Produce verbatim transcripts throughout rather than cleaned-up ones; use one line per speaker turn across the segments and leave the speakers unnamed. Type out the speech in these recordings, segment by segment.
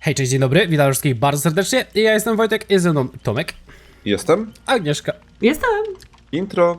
Hej, cześć, dzień dobry, witam wszystkich bardzo serdecznie. Ja jestem Wojtek, jest ze mną Tomek.
Jestem.
Agnieszka.
Jestem.
Intro.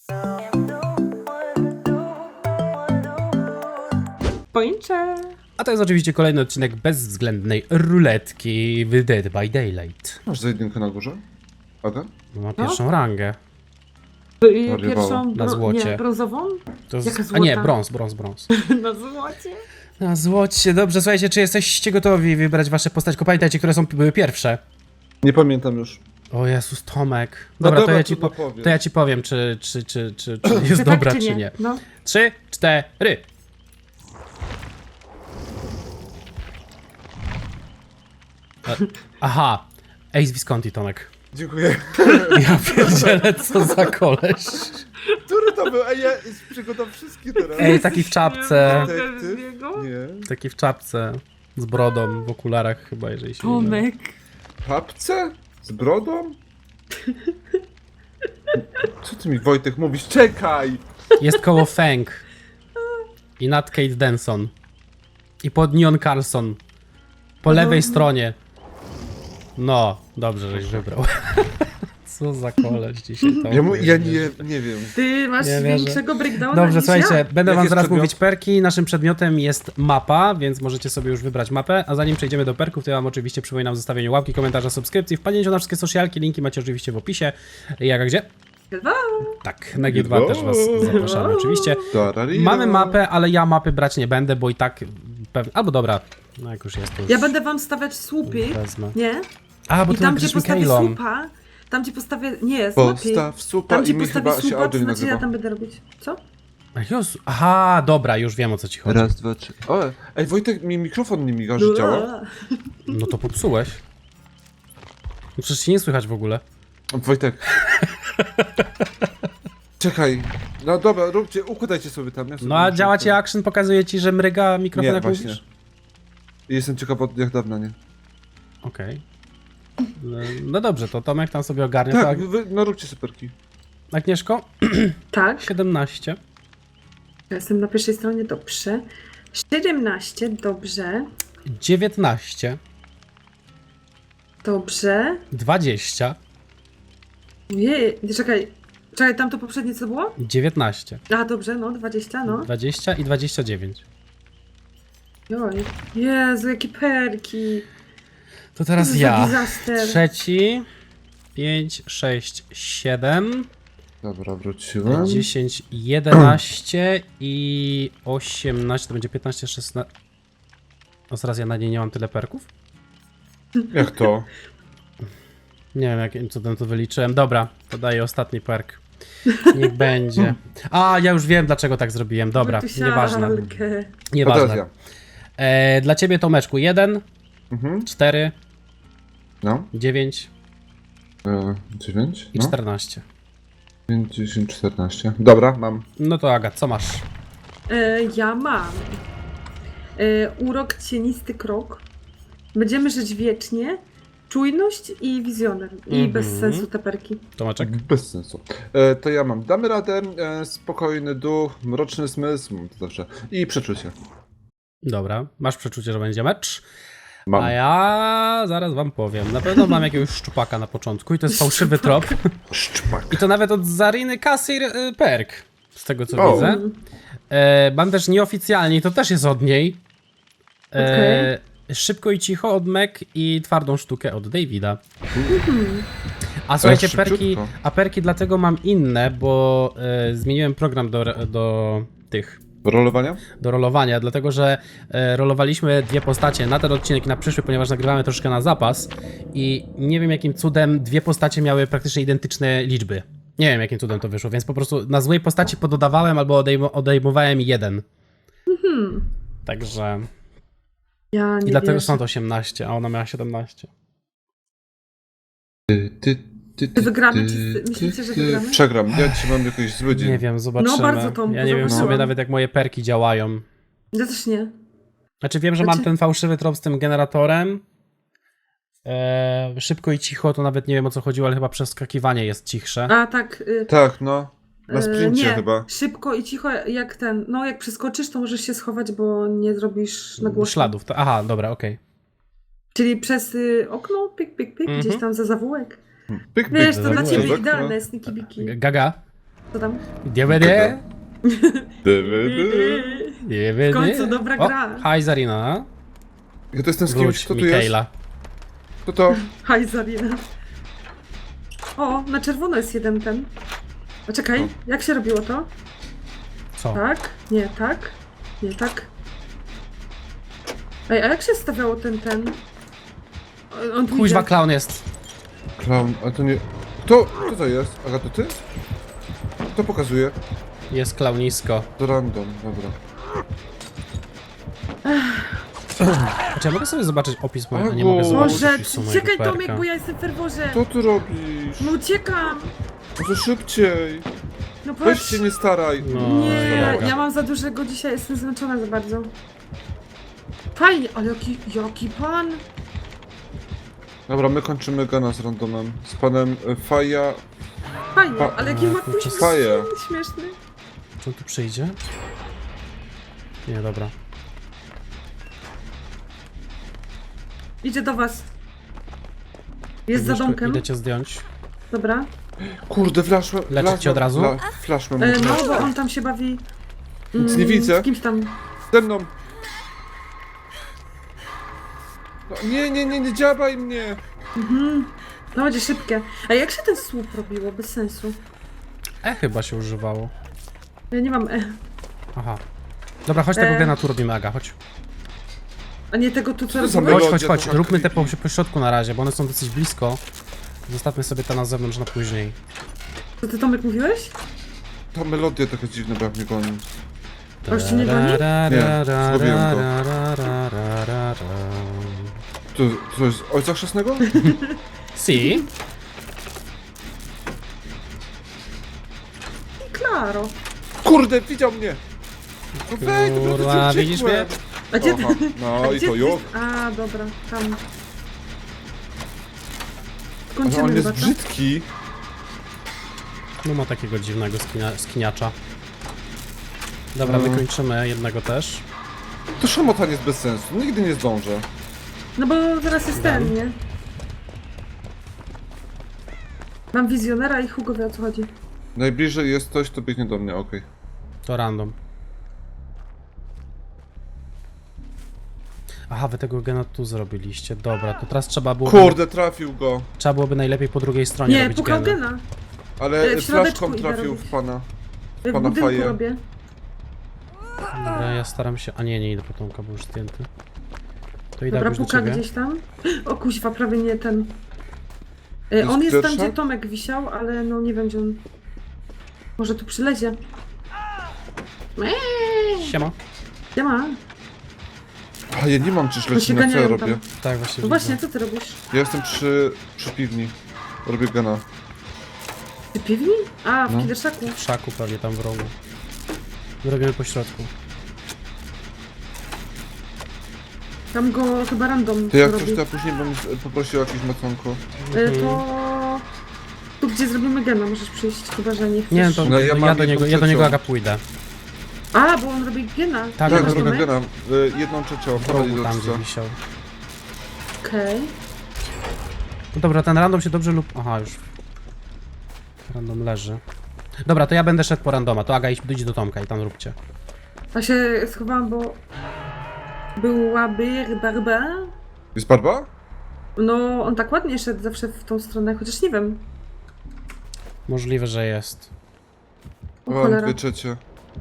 Pończę.
A to jest oczywiście kolejny odcinek bezwzględnej ruletki w Dead by Daylight.
Masz za jedynkę na górze? Aga?
No, ma pierwszą rangę.
Y,
Wariowało.
Pierwszą
Na
bro-
złocie.
Nie, brązową?
To jest...
Jaka
A nie,
złota?
brąz, brąz, brąz.
Na złocie.
Na złocie, dobrze, słuchajcie, czy jesteście gotowi wybrać wasze postacie? Pamiętajcie, które są były pierwsze.
Nie pamiętam już.
O Jezus, Tomek.
No
Dobra, to,
dobra,
ja ci
trudno
po...
powiem.
to ja ci powiem, czy, czy, czy, czy, czy jest
Czy
dobra,
tak,
czy nie.
No.
Trzy, cztery. E, Aha. Ace Visconti, Tomek.
Dziękuję.
Ja pierdzielę, co za koleś.
Który to był? Ej, ja przygotam wszystkie teraz.
Ej, taki w czapce.
Nie mogę z
Detektyw?
niego.
Nie.
Taki w czapce. Z brodą, w okularach chyba, jeżeli się nie mylę.
Tomek.
Papce? Z brodą? Co ty mi, Wojtek, mówisz? Czekaj!
Jest koło Feng. I nad Kate Denson. I pod Neon Carlson. Po lewej stronie. No, dobrze, żeś wybrał. Co za koleś dzisiaj to.
Ja, mu, ja nie, nie wiem.
Ty masz
Nie wierzę.
większego breakdowna
Dobrze,
niż
słuchajcie,
ja.
będę
Jaki
wam
jest
zaraz
przedmiot?
mówić perki. Naszym przedmiotem jest mapa, więc możecie sobie już wybrać mapę. A zanim przejdziemy do perków, to ja wam oczywiście przypominam zostawienie łapki, komentarza, subskrypcji, wpadnięciu na wszystkie socialki, linki macie oczywiście w opisie. Jak a gdzie?
Dwa.
Tak, na G dwa też was zapraszamy oczywiście.
Dararira.
Mamy mapę, ale ja mapy brać nie będę, bo i tak pewnie... Albo dobra, no jak już jest to już
Ja będę wam stawiać słupy.
wezmę.
Nie?
A, bo
I
ty
tam, gdzie
napiszesz
postawię
Mikaelom.
słupa, tam gdzie postawię... Nie, słupy.
Postaw supa
Tam, gdzie
i mi
postawię
chyba się
słupa,
audio
to
nie
znaczy ja
nagrywa.
tam będę robić. Co?
Ach, Jezu. Aha, dobra, już wiem o co ci chodzi.
Raz, dwa, trzy. O, ej, Wojtek, mi mikrofon nie miga, że działa.
No to popsułeś. No przecież się nie słychać w ogóle.
Wojtek. Czekaj. No dobra, róbcie, układajcie sobie tam. Ja sobie
No a
muszę
działa
tam-
ci action, pokazuje ci, że mryga mikrofon
Nie,
jak
właśnie.
mówisz?
Jestem ciekaw od jak dawna, nie?
Okej. No, no dobrze, to Tomek tam sobie ogarnie.
Tak,
Tak.
wy, no róbcie superki.
Agnieszko?
Tak.
siedemnaście.
Ja jestem na pierwszej stronie, dobrze. siedemnaście, dobrze.
dziewiętnaście.
Dobrze.
dwadzieścia.
Jej, czekaj. Czekaj, tam to poprzednie co było?
dziewiętnaście.
A, dobrze, no, dwadzieścia, no.
dwadzieścia i dwadzieścia dziewięć.
Oj. Jezu, jakie perki.
To teraz
Co za
ja.
disaster.
Trzeci. pięć, sześć, siedem.
Dobra, wróciłem.
dziesięć, jedenaście i osiemnaście. To będzie piętnaście, szesnaście. O, zaraz ja na niej nie mam tyle perków?
Jak to?
Nie wiem, jakim cudem to wyliczyłem. Dobra, to daję ostatni perk. Niech będzie. A, ja już wiem, dlaczego tak zrobiłem. Dobra, nieważne.
Wytusialkę.
A teraz
Nieważne.
ja.
E, dla ciebie, Tomeczku, jeden,
Mhm.
cztery,
No.
dziewięć
E, dziewięć.
i
No.
czternaście.
pięć, dziesięć, czternaście. Dobra, mam.
No to Aga, co masz?
E, ja mam. E, urok, cienisty krok. Będziemy żyć wiecznie. Czujność i wizjoner. I
Mhm.
bez sensu te perki.
Tomeczek?
Bez sensu. E, to ja mam. Damy radę. E, spokojny duch, mroczny zmysł. Mam to zawsze. I przeczucie.
Dobra, masz przeczucie, że będzie mecz.
Mam.
A ja zaraz wam powiem. Na pewno mam jakiegoś szczupaka na początku i to jest fałszywy trop.
Szczpak.
I to nawet od Zariny Kassir y, perk. Z tego co
O.
widzę. E, mam też nieoficjalnie, i to też jest od niej. E, Szybko i cicho od Meg i twardą sztukę od Davida. A słuchajcie,
szybciutko.
perki, a perki dlatego mam inne, bo e, zmieniłem program do, do tych.
Rolowania?
do rolowania, dlatego że e, rolowaliśmy dwie postacie na ten odcinek i na przyszły, ponieważ nagrywamy troszkę na zapas i nie wiem jakim cudem dwie postacie miały praktycznie identyczne liczby. Nie wiem jakim cudem to wyszło, więc po prostu na złej postaci pododawałem albo odejm odejmowałem jeden.
Mhm.
Także...
Ja nie
I dlatego
wierzę.
stąd osiemnaście, a ona miała siedemnaście.
Ty, ty, ty, ty,
Wygramy?
ty,
Czy myślicie, że
ty.
wygramy?
Przegram. Ja dzisiaj mam jakiś zły dzień.
Nie wiem, zobaczymy.
No, bardzo Tomku,
ja nie wiem w
zobaczyłam.
sumie nawet jak moje perki działają.
Ja też nie.
Znaczy wiem, że mam
Znaczy-
ten fałszywy trop z tym generatorem. Eee, szybko i cicho, to nawet nie wiem o co chodziło, ale chyba przeskakiwanie jest cichsze.
A tak. Y,
Tak, no. Na
y,
sprincie
nie.
chyba.
Szybko i cicho jak ten. No, jak przeskoczysz, to możesz się schować, bo nie zrobisz na głośno.
Śladów. To, aha, dobra, okej.
Czyli przez y, okno, pyk, pyk, pyk,
Mhm.
gdzieś tam za zawółek.
Pyk, pyk,
Wiesz, to dla
zawółek.
ciebie
tak,
idealne, sniki biki.
Gaga.
Co tam?
D V D.
D V D.
D V D.
W końcu dobra
O,
gra.
Hi Zarina.
Ja to jestem z kimś,
Wróć,
kto tu jest?
Mikaela.
Kto to?
Haj, Zarina. O, na czerwono jest jeden ten. A czekaj,
O.
jak się robiło to?
Co?
Tak? Nie, tak? Nie, tak? Ej, a jak się stawiało ten, ten? O- On tu
Kuźwa
idzie.
clown jest.
Clown, a to nie... Kto? Kto to jest? Aga, to ty? Kto pokazuje?
Jest klaunisko.
To random, dobra.
Czy ja mogę sobie zobaczyć opis mojego?
Agu.
Nie mogę zobaczyć
Boże,
opisu mojego
uciekaj
perka.
Tomek, bo ja jestem w ferworze.
Co ty robisz?
No uciekam.
Może szybciej.
No
Weź
patrz.
się nie staraj.
No,
Nie, ja,
dobra.
ja mam za dużego dzisiaj, jestem zmęczona za bardzo. Fajnie, ale jaki, jaki pan?
Dobra, my kończymy gana z randomem. Z panem e, Faja.
Fajnie,
Pa-
ale jaki ma
kurczę,
później
faję.
śmieszny.
Czy on tu przyjdzie? Nie, dobra.
Idzie do was. Jest za
Idziesz tu-
domkiem.
Idę cię zdjąć.
Dobra.
Kurde, flaszłem.
Leczyć cię od razu?
Flaszłem.
E, no, bo on tam się bawi.
Nic nie widzę.
Z kimś tam.
Ze mną. No, nie, nie, nie, nie dziabaj mnie.
Mhm. To będzie szybkie. A jak się ten słup robiło? Bez sensu.
E chyba się używało.
Ja nie mam E.
Aha. Dobra, chodź tego
E.
gena tu robimy, Aga, chodź.
A nie tego tu, co
Co za
robiłeś?
Chodź,
Melodia
chodź, chodź,
trochę
róbmy te po,
creepy.
po środku na razie, bo one są dosyć blisko. Zostawmy sobie te na zewnątrz na później.
Co ty Tomek mówiłeś?
Ta melodia taka dziwna, bo jak mnie goni.
To już cię nie goni?
Nie, zgubiłem go.
go.
To, to jest ojca chrzestnego?
Si.
Klaro.
Kurde, widział mnie. No wejdź, no
Kurwa,
to
widzisz mnie?
A gdzie ty?
Aha, no
A
i
gdzie
to
ty?
już.
A, dobra, tam.
Ale
Skończymy
on jest
chyba, co?
brzydki.
No ma takiego dziwnego skinia, skiniacza. Dobra,
No.
wykończymy jednego też.
To szamotanie jest bez sensu. Nigdy nie zdążę.
No bo teraz jest ten, nie? Mam wizjonera i Hugo wie o co chodzi.
Najbliżej jest ktoś, to biegnie do mnie, okej.
To random. Aha, wy tego gena tu zrobiliście. Dobra, to teraz trzeba było.
Kurde, trafił go.
Trzeba byłoby najlepiej po drugiej stronie
Nie,
robić
pukał
gena.
gena.
Ale
E, w środeczku
flaszką
idę
trafił
robić.
w pana.
W
Pana
budynku
faję.
robię.
Dobra, ja staram się. A nie, nie idę po Tomka, bo już zdjęty. To idę
Dobra,
już do
puka
ciebie.
gdzieś tam. O kuźwa, prawie nie ten. E,
Jest
on jest tam,
pierwsza?
gdzie Tomek wisiał, ale no nie wiem, gdzie on... Może tu przylezie.
Siema.
Nie ma.
A ja nie mam czyż
To
leci
się
na co ja
ganiają
robię.
tam.
Tak, właśnie.
No właśnie,
widzę.
co ty robisz?
Ja jestem przy, przy piwni. Robię gana.
Ty piwni? A, w
No.
Kiderszaku.
W szaku pewnie tam w rogu. My robimy po środku.
Tam go chyba random
To jak
robi.
coś, to ja później bym z- poprosił o jakieś maconko.
E, to... Tu gdzie zrobimy gena, możesz przyjść, chyba że nie chcesz.
Nie, to
No
ja,
ja
ja
mam
do niego,
jedną
ja do niego
trzecią.
Aga pójdę.
A, bo on robi gena.
Tak,
Tak,
tak,
Tomek?
zrobię gana. Y, jedną trzecią,
W
prowadzi
rogu
do
tam, gdzie
czysta.
wisiał.
Okej.
No dobra, ten random się dobrze lub... Aha, już. Random leży. Dobra, to ja będę szedł po randoma. To Aga, idź, idź do Tomka i tam róbcie.
A się schowałam, bo... Byłaby barba.
Jest barba?
No, on tak ładnie szedł zawsze w tą stronę, chociaż nie wiem.
Możliwe, że jest.
O
Mam
cholera.
dwie trzecie.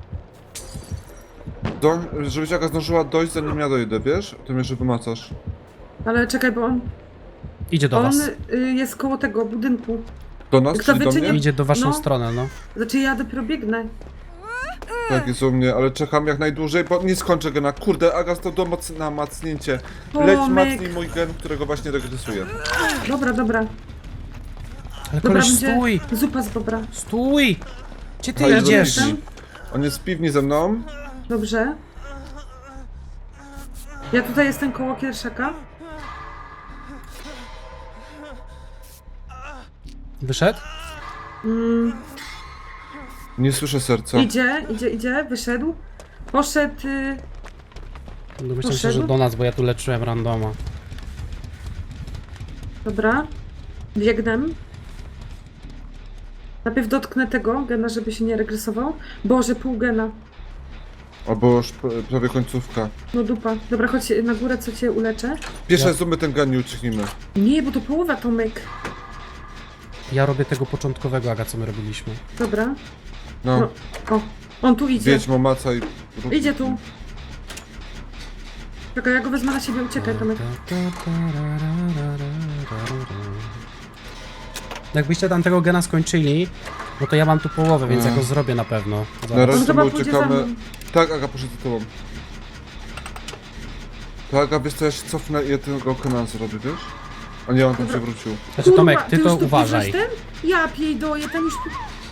Do, żebyś Aga zdążyła dojść, zanim ja dojdę, wiesz? To mnie, że wymacasz.
Ale czekaj, bo on...
Idzie do
on
was.
y, jest koło tego budynku.
Do nas,
Kto
czy do
wyczyni-
mnie?
Idzie do waszą
No.
stronę, no.
Znaczy ja dopiero biegnę.
Tak, jest u mnie, ale czekam jak najdłużej, bo nie skończę gena. Kurde, Aga stał do moc na macnięcie. Leć
Tomek.
macnij mój gen, którego właśnie regresuję.
Dobra, dobra.
Ale
Dobra,
koleś,
będzie
stój!
zupa z bobra.
Stój! Gdzie ty
A, jest do
idziesz?
piwni. On jest w piwni ze mną.
Dobrze. Ja tutaj jestem koło Kierszaka.
Wyszedł?
Mm,
Nie słyszę serca.
idzie, idzie, idzie, wyszedł. Poszedł... Y,
Domyślam się,
Poszedł?
że do nas, bo ja tu leczyłem randoma.
Dobra. Biegnę. Najpierw dotknę tego gena, żeby się nie regresował. Boże, pół gena.
Albo już p- prawie końcówka.
No dupa. Dobra, chodź na górę, co cię uleczę.
Pierwsze
Ja-
zróbmy ten gan i ucieknijmy.
Nie, bo to połowa, Tomek.
Ja robię tego początkowego, Aga, co my robiliśmy.
Dobra.
No,
No. O, on tu idzie.
wiedźmo, maca i...
Idzie tu. Czekaj, ja go wezmę na siebie, uciekaj, Tomek.
Jakbyście tam tego gena skończyli, no to ja mam tu połowę, więc ja
Mm.
go zrobię na pewno.
Na
Zaraz.
razie
On
to
chyba
my
pójdzie za
uciekamy.
mną.
Tak, Aga, poszedł za tobą. To Aga, wiesz co, ja się cofnę i ja tego Kenan zrobię, wiesz? A nie, on tam
Dobra.
się wrócił.
Znaczy Tomek, ty
już
to
tu
uważaj.
bierzesz ten? Ja piejdoję, ten już...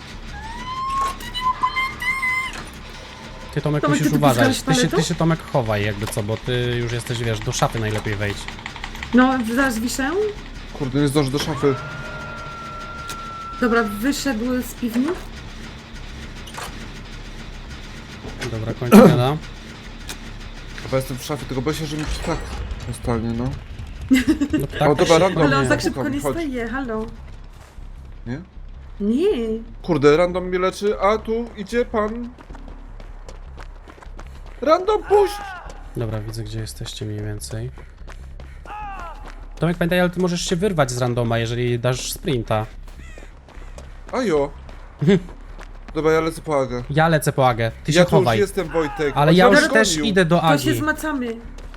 Ty Tomek
Tomek,
musisz
ty tu
uważać.
puszczałeś
Ty się, ty
paletą?
się Tomek chowaj jakby co, bo ty już jesteś, wiesz, do szafy najlepiej wejdź.
No, zaraz wiszę.
Kurde, nie zdążę do szafy.
Dobra, wyszedł z piwni.
Dobra, kończę gena.
Chyba jestem w szafie, tylko boję się, że mi tak zostanie, no.
No, tak,
O, dobra, random.
Ale on
nie,
tak szybko
pukam,
nie
chodź.
staje, halo.
Nie?
Nie.
Kurde, random mnie leczy, a tu idzie pan... Random, puść!
Dobra, widzę gdzie jesteście mniej więcej. Tomek, pamiętaj, ale ty możesz się wyrwać z randoma, jeżeli dasz sprinta.
Ajo. Dobra, ja lecę po Agę.
Ja lecę po Agę, ty się
Ja tu już
chowaj.
jestem, Wojtek.
Ale
On
ja
mnie
już też
gonił.
idę do
To się
Agi.
zmacamy.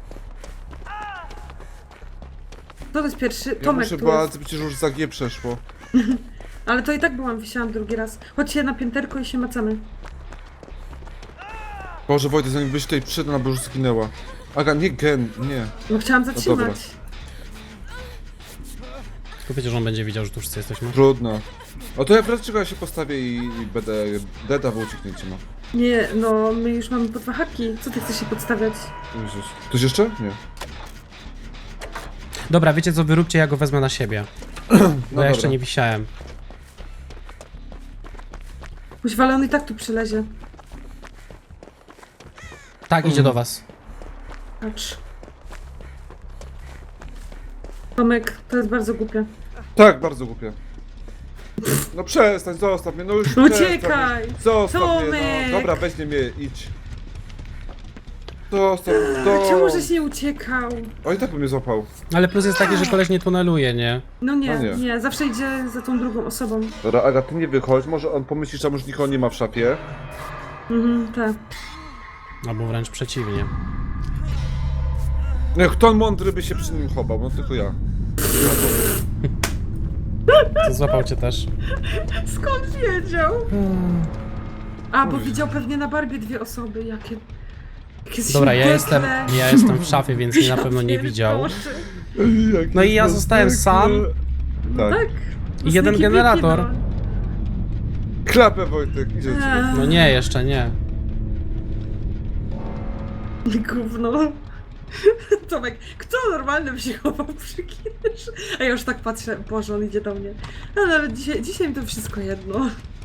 Kto to jest pierwszy?
Ja
Tomek
muszę,
tu
bo
jest.
przecież już za G przeszło.
Ale to i tak byłam, wisiałam drugi raz. Chodźcie na pięterko i się macamy.
Boże, Wojtek, zanim byś tutaj przyszedł, ona by już zginęła. Aga, nie gen, nie.
No chciałam
dobra.
zatrzymać.
Tylko wiecie, że on będzie widział, że tu wszyscy jesteśmy.
Trudno. O to ja wreszcie czego ja się postawię i, i będę deda w ucieknięcie, no.
Nie, no my już mamy po dwa haki. Co ty chcesz się podstawiać?
Jezus. Ktoś jeszcze? Nie.
Dobra, wiecie co, wyróbcie, ja go wezmę na siebie. Bo
No
ja jeszcze
dobra.
nie wisiałem.
Kuźwa, ale on i tak tu przylezie.
Tak, idzie
Mm.
do was.
Patrz. Tomek, to jest bardzo głupie.
Tak, bardzo głupie. No przestań, zostaw mnie, no już
Uciekaj!
przestań mnie. Zostaw mnie,
Tomek!
no. Dobra, weź mnie, idź. Zostaw,
A
do...
czemu żeś nie uciekał?
O, i tak by mnie złapał.
Ale plus jest taki, że koleś nie tuneluje, nie?
No nie,
No nie.
nie, zawsze idzie za tą drugą osobą.
Dobra, Aga, ty nie wychodź, może on pomyśli, że tam już nikogo nie ma w szafie.
Mhm, tak.
Albo wręcz przeciwnie.
Nie, kto mądry by się przy nim chował, no tylko ja.
To złapał cię też.
Skąd wiedział? A, bo widział pewnie na Barbie dwie osoby, jakie... jakie
Dobra, ja
śmieszne.
jestem, ja jestem w szafie, więc mnie na pewno nie
Ja
widział.
pierdolę.
No i ja zostałem sam.
Tak.
Tak.
I jeden
Sneaky
generator.
Piki,
Klapę, Wojtek, idzie ci.
no.
No nie, jeszcze nie.
Gówno. Tomek, kto normalny by się chował przy kimś? A ja już tak patrzę, Boże, on idzie do mnie. No, ale dzisiaj, dzisiaj mi to wszystko jedno.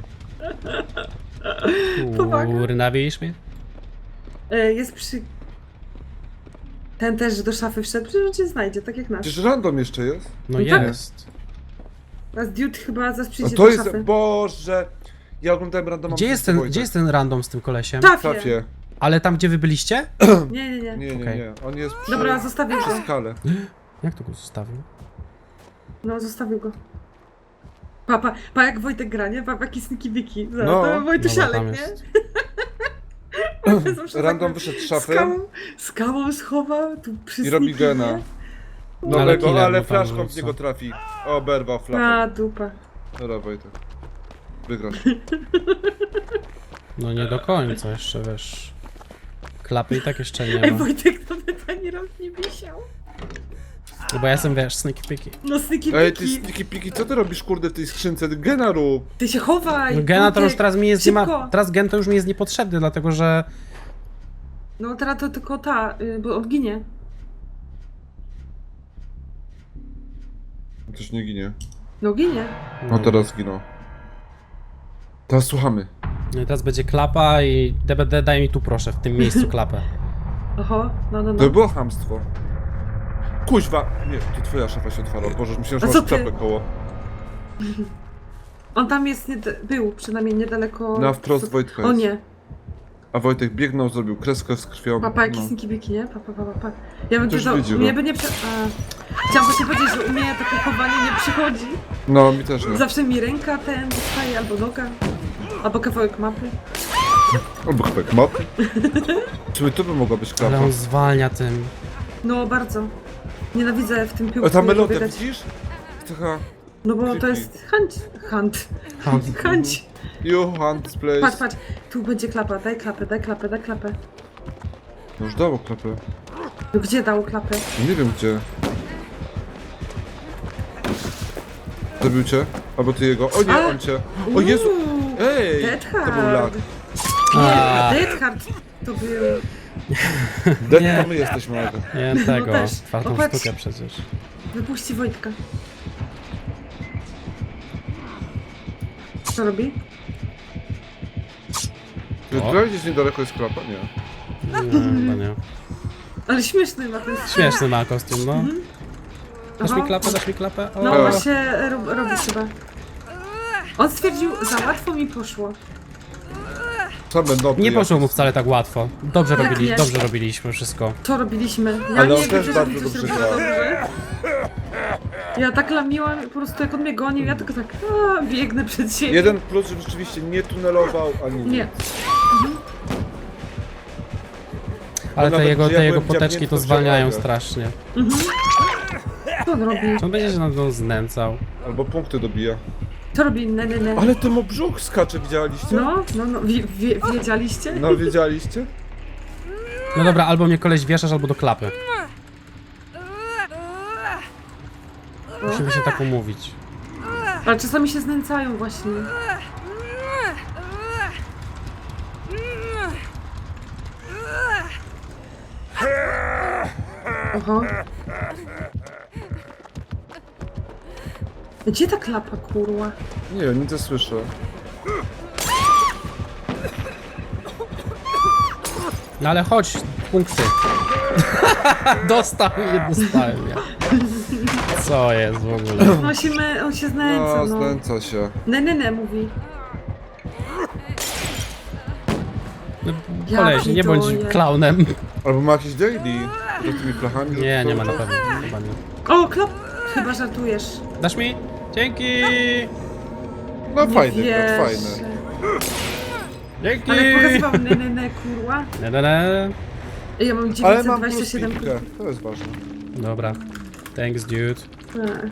Powaga.
Kurna, widzisz mnie?
E, jest przy... Ten też do szafy wszedł, przecież cię znajdzie, tak jak nasz.
Przecież random jeszcze jest.
No
No tak.
jest.
A z Dude chyba zaraz
A
przyjdzie
to
do
jest,
szafy.
Boże. Ja oglądałem randoma.
Gdzie jest ten, gdzie jest ten random z tym kolesiem?
W
Szafie.
szafie.
Ale tam, gdzie wy byliście?
Nie, nie, nie.
Nie, nie,
Okej.
nie. On jest przy,
Dobra, zostawię
przy
go.
skale.
Jak to go zostawił?
No, zostawił go. Pa, pa, pa jak Wojtek gra, nie? Pa, jaki sneaky wiki.
No.
No, to
Dobra,
Wojtusialek,
tam
nie?
jest.
Wojtek zawsze
Random
tak
wyszedł z szafy
Skałą, skałą schował, tu przy
i robi
sneaky,
gena.
nie?
No
Ale
ale,
killer
ale
mu tam
flaszką w
rzuca.
niego trafi. Oberwał flachą.
A, dupa.
Dobra, Wojtek. Wygrasz.
No nie do końca, jeszcze wiesz. Klapy i tak jeszcze nie
Ej,
ma.
Wojtek nawet ani raz nie wisiał.
No bo ja jestem, wiesz, sneaky piki.
No, sneaky
Ej, ty
wiki.
sniki piki, co ty robisz kurde w tej skrzynce? Ty gena rób.
Ty się chowaj.
No gena to już
Wojtek.
teraz mi jest nie ma.
Szybko.
Teraz gen to już mi jest niepotrzebny, dlatego że.
No, teraz to tylko ta, y, bo on ginie.
Też nie ginie.
No, ginie.
No teraz zginął. Teraz słuchamy.
No i teraz będzie klapa i D B D daj mi tu proszę, w tym miejscu klapę.
Oho, no, no,
To
no.
by było chamstwo. Kuźwa! Nie, to twoja szafa się otwarła. Boże, myślałem, że
A
masz
co ty?
klapę koło.
On tam jest, nie, był przynajmniej niedaleko...
Na wprost Wojtka
O
jest.
nie.
A Wojtek biegnął, zrobił kreskę z krwią.
Papa, jakie
no.
sniki biki, nie? Papa, papa, papa. Ja bym
Ktoś
to...
widzi,
Mnie
no.
by nie prze... A. Chciałam właśnie powiedzieć, że u mnie takie chowanie nie przychodzi.
No, mi też nie.
Zawsze mi ręka ten dostaje, albo noga. Albo kawałek mapy.
Albo chyba mapy. Czy tu by mogła być
Ale
klapa?
on zwalnia tym.
No, bardzo. Nienawidzę w tym piłku.
A ta melodia,
biegać.
widzisz? Taka...
No bo to
creepy.
jest hunt. Hunt.
Hunt.
Hunt.
You hunt this place.
Patrz, patrz. Tu będzie klapa. Daj klapę, daj klapę, daj klapę.
No już dało klapę.
No gdzie dał klapę?
Nie wiem gdzie. Zabił cię? Albo ty jego. O nie,
A!
on cię. O Jezu!
Uuu,
Ej!
Dead
To był lag.
Hard.
A.
Nie, Dead Hard to był...
Dead
Nie.
to my jesteśmy, ale...
Nie tego,
też.
czwartą
Popatrz.
sztukę przecież.
Wypuści Wojtka. Co robi?
Czy
O.
tutaj gdzieś niedaleko jest klapa? Nie.
Nie, chyba nie.
Ale śmieszny ma ten
Śmieszny ma kostium, no. Dasz mi
Aha.
klapę, dasz mi klapę? O.
No
A.
właśnie rob, robi chyba. On stwierdził, za łatwo mi poszło.
Same noby
Nie poszło
jakieś.
mu wcale tak łatwo. Dobrze
Jak
robili,
nie?
dobrze robiliśmy wszystko.
Co robiliśmy? Ja
Ale
nie
on
wiem,
też
że
bardzo
coś
dobrze
robiła
grał.
dobrze. Ja tak lamiłam, po prostu jak on mnie gonił, ja tylko tak a, biegnę przed siebie.
Jeden plus, że rzeczywiście nie tunelował, ani nic.
Nie.
Ale te
nawet
jego,
gdzie ja
te jego
byłem
poteczki
dziabnięty,
to
to
zwalniają
działaga.
strasznie.
Co on robi?
Czy on będzie się nad mną znęcał?
Albo punkty dobija.
Co robi? Ne, ne, ne.
Ale ten mu brzuch skacze, widzieliście?
No, no, no, wie, wie, wiedzieliście?
No, wiedzieliście?
No dobra, albo mnie koleś wieszasz, albo do klapy. Musimy się tak umówić.
Ale czasami się znęcają właśnie. Oho. Gdzie ta klapa, kurwa?
Nie, nic nie słyszę.
No ale chodź, punkty. Dostał i nie dostałem ja. Co jest w ogóle?
On się, me, on się znęca,
No,
no.
znęca się.
Ne, ne, ne, mówi.
No,
Ja
koleś, nie bądź
pierdolę.
klaunem.
Albo ma jakieś daily z tymi flachami.
Nie, nie ma na
cały czas.
pewno. Chyba nie.
O, klap! Chyba żartujesz.
Dasz mi? Dzięki!
No
Nie
fajny,
wierzę.
brat, fajny.
Dzięki!
Ale jak pokazywał ne, ne, ne, kurwa.
Ne, ne, ne.
Ja mam
Ale mam plus
dziewięćset dwadzieścia siedem
piłkę, to jest ważne.
Dobra. Thanks, dude.
A.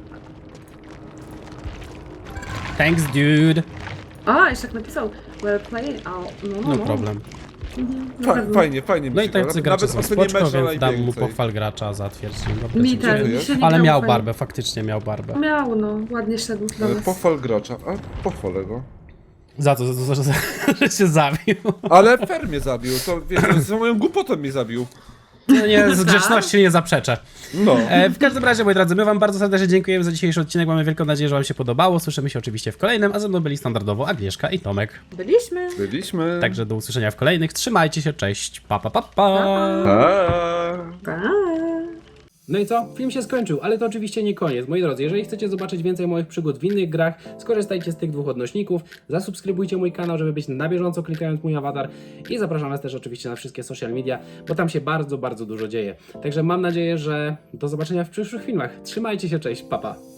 Thanks, dude.
A, jeszcze jak napisał. Well played. A, no, no,
No
no.
problem.
Mhm, na
Fa
pewno.
fajnie, fajnie mi
No i
się
tak
gra.
jak gracze są
ostatnie
spoczko,
mecze
więc dam mu
najwięcej.
pochwal gracza za twierdzenie.
Mi ten,
Dziękuję.
mi się nie
Ale
grało
miał
fajnie.
barbę, faktycznie miał barbę.
Miał, no. Ładnie szedł do
E,
nas.
Pochwal gracza, a pochwalę go.
Za to, za to, że, że się zabił.
Ale Fer mnie zabił, to wiecie, za moją głupotą mnie zabił.
No nie, z grzeczności nie zaprzeczę.
No.
E, w każdym razie, moi drodzy, my wam bardzo serdecznie dziękujemy za dzisiejszy odcinek. Mamy wielką nadzieję, że wam się podobało. Słyszymy się oczywiście w kolejnym, a ze mną byli standardowo Agnieszka i Tomek.
Byliśmy.
Byliśmy.
Także do usłyszenia w kolejnych. Trzymajcie się, cześć. Pa, pa, pa, pa.
Pa.
Pa.
No i co? Film się skończył, ale to oczywiście nie koniec. Moi drodzy, jeżeli chcecie zobaczyć więcej moich przygód w innych grach, skorzystajcie z tych dwóch odnośników, zasubskrybujcie mój kanał, żeby być na bieżąco klikając mój awatar i zapraszam was też oczywiście na wszystkie social media, bo tam się bardzo, bardzo dużo dzieje. Także mam nadzieję, że do zobaczenia w przyszłych filmach. Trzymajcie się, cześć, pa pa.